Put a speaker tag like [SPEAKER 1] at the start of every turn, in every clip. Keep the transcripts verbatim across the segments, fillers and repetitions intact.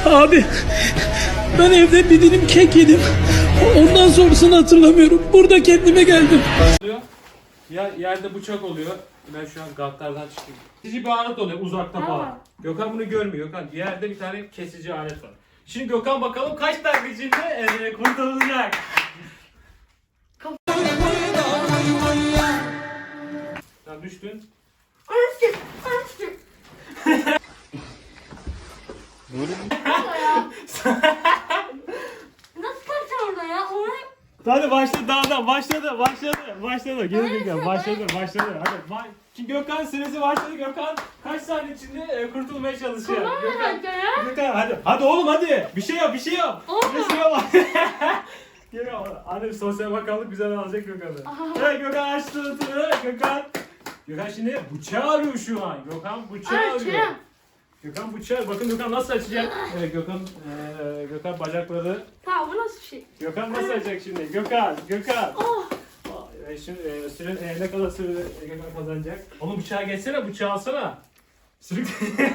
[SPEAKER 1] Abi ben evde bir dilim kek yedim. Ondan sonrasını hatırlamıyorum. Burada kendime geldim.
[SPEAKER 2] Ya yerde bıçak oluyor. Ben şu an gatlardan çıkayım. Kesici bir alet oluyor uzakta falan.
[SPEAKER 3] Tamam.
[SPEAKER 2] Gökhan bunu görmüyor. Gökhan yerde bir tane kesici alet var. Şimdi Gökhan bakalım kaç dakika içinde e, kurtulacak. Sen düştün.
[SPEAKER 3] Anasını, anasını. Nasıl kalacağım orada ya? Onu...
[SPEAKER 2] Hadi başladı daha da başladı başladı başladı geri Gökhan başladı başladı hadi ba- Şimdi Gökhan süresi başladı. Gökhan kaç saniye içinde e, kurtulmaya çalışıyor.
[SPEAKER 3] Tamam
[SPEAKER 2] Gökhan,
[SPEAKER 3] herhalde ya.
[SPEAKER 2] Gökhan hadi hadi oğlum hadi bir şey yap bir şey yap.
[SPEAKER 3] Olma.
[SPEAKER 2] Bir şey yap. Geliyor. Anne sosyal bakanlık güzel alacak Gökhan'ı.
[SPEAKER 3] Aha.
[SPEAKER 2] Evet Gökhan açtı ıtını. Gökhan. Gökhan şimdi bıçağı arıyor şu an. Gökhan bıçağı arıyor.
[SPEAKER 3] Açayım.
[SPEAKER 2] Gökhan bıçağı. Bakın Gökhan nasıl açacak? Evet Gökhan e, Gökhan bacakları.
[SPEAKER 3] Tamam bu nasıl bir şey?
[SPEAKER 2] Gökhan nasıl açacak şimdi? Gökhan, Gökhan.
[SPEAKER 3] Oh.
[SPEAKER 2] E, şimdi e, süren e, ne kadar süre Gökhan kazanacak? Oğlum bıçağı geçsene, bıçağı alsana. Sürük.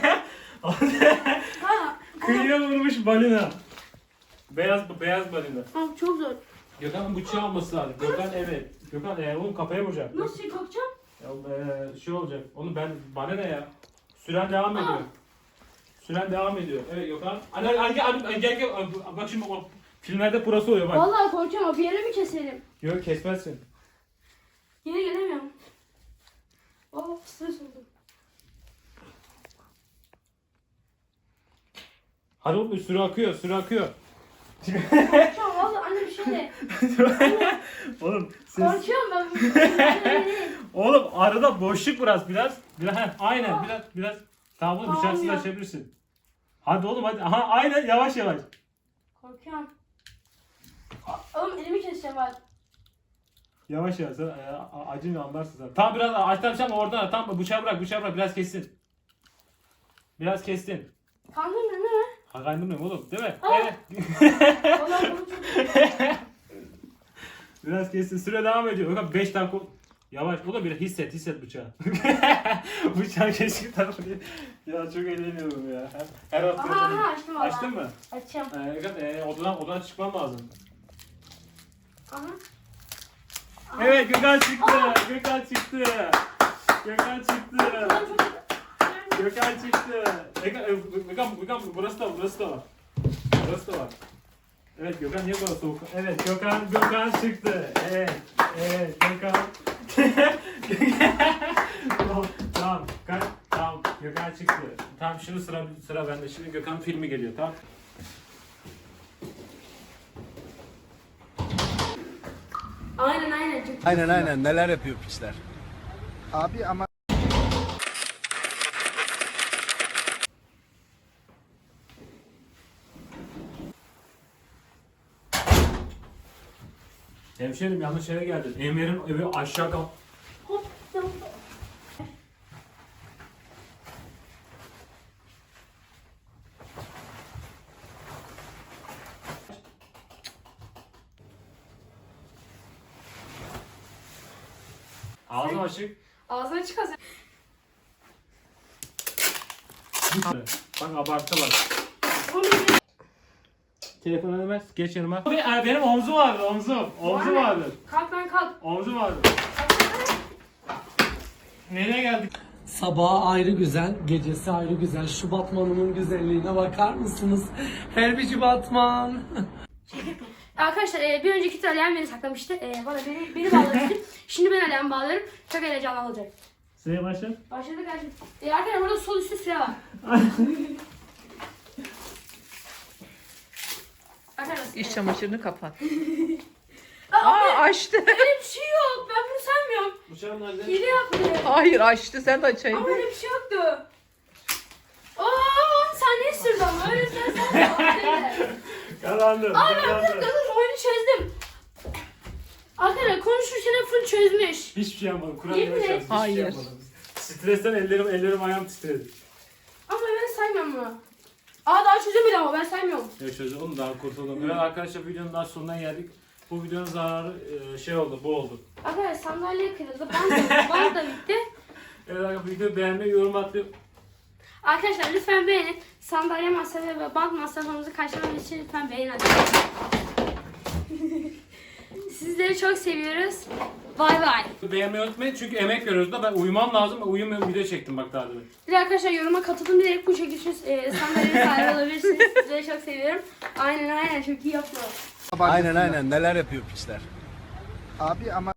[SPEAKER 3] Ha.
[SPEAKER 2] Kıyıya vurmuş balina. Beyaz beyaz balina.
[SPEAKER 3] Tamam çok zor.
[SPEAKER 2] Gökhan'ın bıçağı alması lazım. Gökhan evet. Gökhan e, oğlum kafaya vuracak.
[SPEAKER 3] Nasıl kalkacağım?
[SPEAKER 2] Ya, e, şey olacak. Onu ben bana ne ya? Süren devam ediyor. Süren devam ediyor. Evet Gökhan. Hadi hadi hadi hadi gel gel. Bak şimdi o filmlerde burası oluyor bak.
[SPEAKER 3] Vallahi korkuyorum ama bir yere mi keselim?
[SPEAKER 2] Yok kesmezsin.
[SPEAKER 3] Yine gelemiyorum. Oh stres oldum.
[SPEAKER 2] Hadi oğlum süre akıyor, süre akıyor.
[SPEAKER 3] Korkuyorum vallahi anne bir şey de.
[SPEAKER 2] Oğlum siz...
[SPEAKER 3] Korkuyorum ben.
[SPEAKER 2] Oğlum arada boşluk biraz biraz. Biraz heh, aynen biraz biraz. Tamam oğlum
[SPEAKER 3] Tamam
[SPEAKER 2] bıçaksız
[SPEAKER 3] ya.
[SPEAKER 2] açabilirsin. Hadi oğlum hadi. Aha aynen yavaş yavaş.
[SPEAKER 3] Korkuyorum. Oğlum elimi keseceğim bak.
[SPEAKER 2] Yavaş yavaş. Sen, e, acını anlarsın sen. Tam biraz açtan oradan. Tam bıçağı bırak bıçağı bırak biraz kessin. Biraz kestin.
[SPEAKER 3] Kandın mı değil mi?
[SPEAKER 2] Ha kaynamıyorum oğlum değil mi?
[SPEAKER 3] Aa.
[SPEAKER 2] Evet.
[SPEAKER 3] Vallahi bunu çok...
[SPEAKER 2] Biraz kessin. Süre devam ediyor. Bakın beş dakika. Yavaş. O da bir hisset hisset bıçağı. Bıçağı keşke tarafı diye. Ya çok eğleniyorum ya. Her, her hafta.
[SPEAKER 3] Aha aha açtım valla.
[SPEAKER 2] Açtın mı?
[SPEAKER 3] Açacağım.
[SPEAKER 2] Ee, e, odadan, odadan çıkmam lazım.
[SPEAKER 3] Aha.
[SPEAKER 2] Evet Gökhan çıktı. Gökhan çıktı. Gökhan çıktı. Gökhan çıktı. Gökhan, e, Gökhan, Gökhan burası da burası da var. Burası da var. Evet Gökhan niye böyle soğuk? Evet Gökhan Gökhan çıktı. Evet. Evet Gökhan. tamam tamam. Gökhan, tamam Gökhan çıktı. Tamam şimdi sıra sıra bende. Şimdi Gökhan filmi geliyor tamam.
[SPEAKER 3] Aynen aynen. Çok...
[SPEAKER 4] Aynen aynen neler yapıyor piçler. Abi ama
[SPEAKER 2] Hemşerim yanlış yere geldin. Emir'in evi aşağı kal.
[SPEAKER 3] Hop. Tamam.
[SPEAKER 2] Ağzım açık.
[SPEAKER 3] Ağzına çık ağzına.
[SPEAKER 2] Bak abarttı bak.
[SPEAKER 3] Oğlum bir-
[SPEAKER 2] Telefonu vermez. Geç yanıma. Abi, e, benim omzum vardı omzum. Omzum
[SPEAKER 3] Var.
[SPEAKER 2] vardı.
[SPEAKER 3] Kalk lan kalk.
[SPEAKER 2] Omzum vardı. Nereye geldik?
[SPEAKER 1] Sabahı ayrı güzel, gecesi ayrı güzel. Şu Batman'ımın güzelliğine bakar mısınız? Herbici Batman.
[SPEAKER 3] Arkadaşlar e, bir önceki tur Alihan beni saklamıştı. E, bana beni, beni bağlamıştı. Şimdi ben Alihan'ı bağlıyorum. Çok heyecanlı olacak.
[SPEAKER 2] Sıraya başla.
[SPEAKER 3] Başladık arkadaşlar. E, arkadaşlar burada sol üstte süre var. Arkadaşlar.
[SPEAKER 5] İş çamaşırını kapat.
[SPEAKER 3] Aa,
[SPEAKER 5] Aa açtı.
[SPEAKER 3] öyle bir şey yok. Ben bunu saymıyorum.
[SPEAKER 2] Bıçağım nerede?
[SPEAKER 3] Hile yapmıyor.
[SPEAKER 5] Hayır açtı sen de açaydın.
[SPEAKER 3] Ama öyle bir şey yoktu. Aa on saniye sürdü ama öyle sen saymıyorsun.
[SPEAKER 2] Kazandım.
[SPEAKER 3] Aa ben
[SPEAKER 2] Kazandım.
[SPEAKER 3] bunu dur oyunu çözdüm. Arkadaşlar konuşurken hep full çözmüş.
[SPEAKER 2] Hiçbir şey yapmadım. Kur'an
[SPEAKER 3] Yemin
[SPEAKER 2] yemek
[SPEAKER 3] et.
[SPEAKER 2] yaptım. Hiçbir şey
[SPEAKER 5] Hayır.
[SPEAKER 2] yapmadım. Stresten ellerim ellerim ayağım titredi.
[SPEAKER 3] Ama ben saymıyorum bunu. Aa daha çözemedi ama ben saymıyorum.
[SPEAKER 2] Evet çözdüm. Onu daha kurtuldum. Evet arkadaşlar videonun daha sonuna geldik. Bu videonun zararı e, şey oldu, bu oldu.
[SPEAKER 3] Arkadaşlar sandalye kırıldı. Bant da, bant da bitti.
[SPEAKER 2] Evet arkadaşlar videoyu beğenmeyi, yorum atmayı.
[SPEAKER 3] Arkadaşlar lütfen beğenin. Sandalye masrafı ve bant masrafımızı karşılamak için lütfen beğenin. Sizleri çok seviyoruz. Bay bay.
[SPEAKER 2] Beğenmeyi unutmayın çünkü emek veriyoruz da ben uyumam lazım. Uyumuyorum, video çektim bak daha demin.
[SPEAKER 3] Bir de arkadaşlar yoruma katıldım diyerek bu şekilde e, sandalye sahibi olabilirsiniz. Sizleri çok seviyorum. Aynen aynen çok iyi yaptılar.
[SPEAKER 4] Aynen aynen neler yapıyor piçler. Abi ama